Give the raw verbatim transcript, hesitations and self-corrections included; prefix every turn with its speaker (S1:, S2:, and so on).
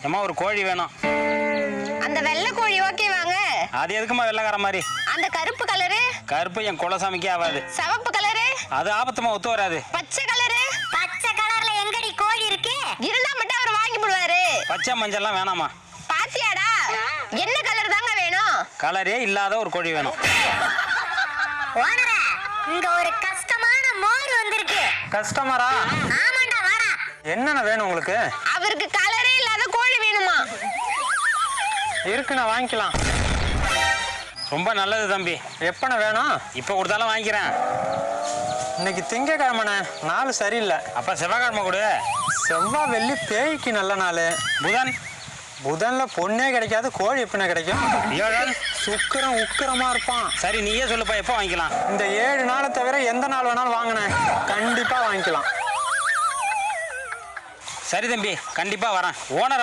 S1: ஏமா ஒரு கோழி வேணும்.
S2: அந்த வெள்ளை கோழி ஓகே வாங்க.
S1: அது எதுக்குமா வெள்ளைக்கார மாதிரி?
S2: அந்த கருப்பு கலரு?
S1: கருப்பு என் குலசாமிக்கே ஆகாது.
S2: சிவப்பு கலரு?
S1: அது ஆபத்துமா ஒத்து வராது.
S2: பச்சை கலரு?
S3: பச்சை கலர்ல எங்கடி கோழி இருக்கு?
S2: இருந்தா மட்டும் அவர் வாங்கி போடுவாரு.
S1: பச்சை மஞ்சள்லாம் வேணாமா?
S2: பாத்தியாடா, என்ன கலர் தாங்க வேணும்?
S1: கலரே இல்லாத ஒரு கோழி வேணும்.
S3: ஓனரே, இங்க ஒரு கஷ்டமான மோர் வந்திருக்கு.
S4: கஸ்டமரா?
S3: ஆமாண்டா, வாடா.
S4: என்னென்ன வேணும் உங்களுக்கு?
S2: அவருக்கு கலரே இல்லாத கோழி வேணுமா?
S4: இருக்கு, நான் வாங்கிக்கலாம்.
S1: ரொம்ப நல்லது தம்பி.
S4: எப்பண்ண வேணும்?
S1: இப்போ கொடுத்தாலும் வாங்கிக்கிறேன்.
S4: இன்னைக்கு திங்கக்கிழமைண்ணே, நாள் சரியில்லை.
S1: அப்ப செவ்வாய்க்கிழமை கொடு.
S4: செவ்வாய் வெள்ளி பேய்க்கு நல்ல நாள்.
S1: புதன்?
S4: புதன்ல பொண்ணே கிடைக்காது, கோழி எப்படிண்ணே கிடைக்கும்?
S1: வியாழன்?
S4: சுக்கிரம் உக்கிரமா இருப்பான்.
S1: சரி நீயே சொல்லுப்பா, எப்போ வாங்கிக்கலாம்?
S4: இந்த ஏழு நாளை தவிர எந்த நாள் வேணாலும் வாங்கினேன், கண்டிப்பா வாங்கிக்கலாம்.
S1: சரி தம்பி, கண்டிப்பா வரேன். ஓனர்